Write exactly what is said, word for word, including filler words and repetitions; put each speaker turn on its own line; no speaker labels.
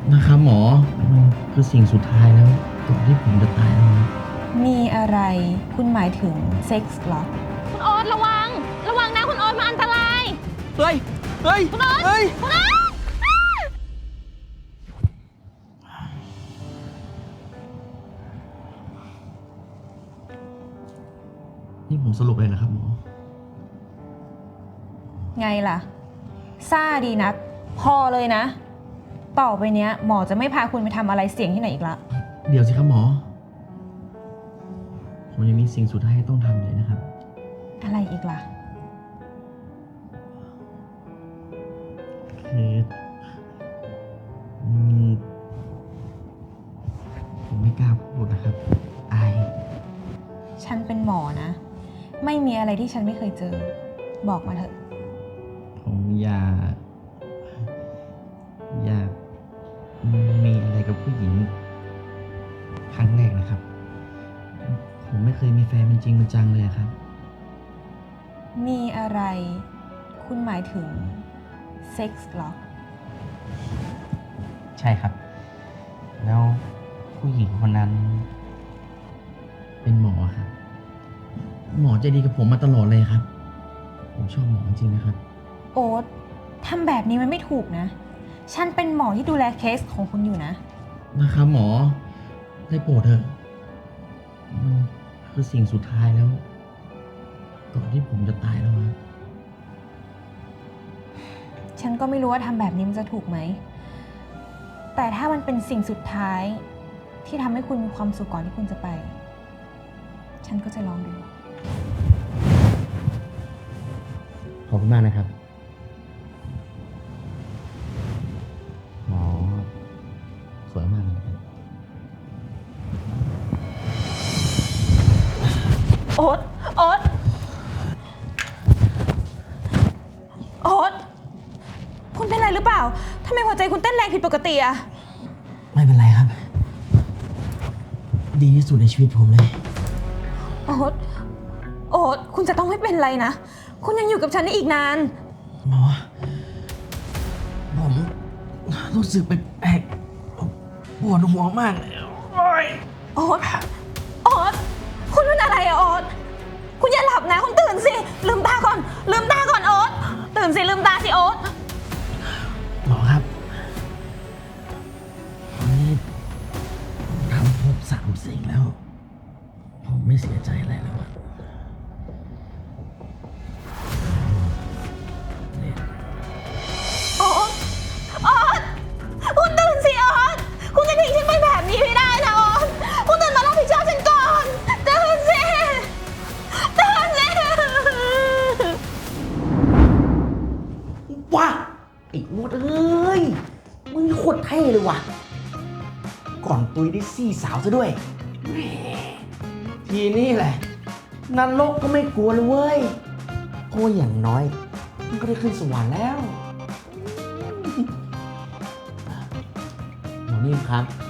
นะครับหมอมันคือสิ่งสุดท้ายแล้วก่อนที่ผมจะตายแล้วนะ
มีอะไรคุณหมายถึงเซ็กส์เหรอ
คุณโอ๊ตระวังระวังนะคุณโอ๊ตมันอันตราย
เฮ้ยเฮ้ย
คุณโอ๊ต
เฮ้ย
คุณโอ๊ต
นี่ผมสรุปเลยนะครับหมอ
ไงล่ะซ่าดีนักพอเลยนะต่อไปเนี้ยหมอจะไม่พาคุณไปทำอะไรเสี่ยงที่ไหนอีกละ
เดี๋ยวสิครับหมอผมยังมีสิ่งสุดท้ายให้ต้องทำเลยนะครับ
อะไรอีกล่ะ
คือผมไม่กล้าพูดนะครับอาย
ฉันเป็นหมอนะไม่มีอะไรที่ฉันไม่เคยเจอบอกมาเถอะ
ผมอยากอยากมีอะไรกับผู้หญิงครั้งแรกนะครับผมไม่เคยมีแฟนเป็นจริงเป็นจังเลยครับ
มีอะไรคุณหมายถึงเซ็กส์เหรอ
ใช่ครับแล้วผู้หญิงคนนั้นเป็นหมอครับหมอใจดีกับผมมาตลอดเลยครับผมชอบหมอจริงนะครับ
โอ๊ตทำแบบนี้มันไม่ถูกนะฉันเป็นหมอที่ดูแลเคสของคุณอยู่นะ
นะครับหมอได้โปรดเถอะมันคือสิ่งสุดท้ายแล้วก่อนที่ผมจะตายแล้วครับ
ฉันก็ไม่รู้ว่าทำแบบนี้มันจะถูกไหมแต่ถ้ามันเป็นสิ่งสุดท้ายที่ทำให้คุณมีความสุขก่อนที่คุณจะไปฉันก็จะลองดู
ขอบคุณมากนะครับหมอสวยมากเลย
โอ๊ตโอ๊ตโอ๊ตคุณเป็นอะไรหรือเปล่าทำไมหัวใจคุณเต้นแรงผิดปกติอะ
ไม่เป็นไรครับ ดีที่สุดในชีวิตผมเลย
โอ๊ตโอ๊ตคุณจะต้องไม่เป็นไรนะคุณยังอยู่กับฉันได้อีกนาน
หมอผมรู้สึกแปลกๆปวดหัวมากเลยโอ๊ย
โอ๊ตโอ๊ตคุณเป็นอะไรอะโอ๊ตคุณอย่าหลับนะคุณตื่นสิลืมตาก่อนลืมตาก่อนโอ๊ตตื่นสิลืมตาสิโอ๊ต
หมอครับวันนี้ทำครบสามสิ่งแล้วผมไม่เสียใจอะไรแล้วอะ
โอ๊ตโอ๊ตคุณตื่นสิโอ๊ตคุณจะทิ้งฉันไปแบบนี้ไม่ได้นะโอ๊ตคุณตื่นมารับผิดชอบฉันก่อนตื่นสิตื่นสิ
ว้าไอ้อูดเอ้ยมึงโคตรเท่เลยว่ะก่อนตุยได้ซี่สาวซะด้วยทีนี้แหละนรกก็ไม่กลัวเลยเว้ยเพราะอย่างน้อยมันก็ได้ขึ้นสวรรค์แล้วหมอนิ่มครับ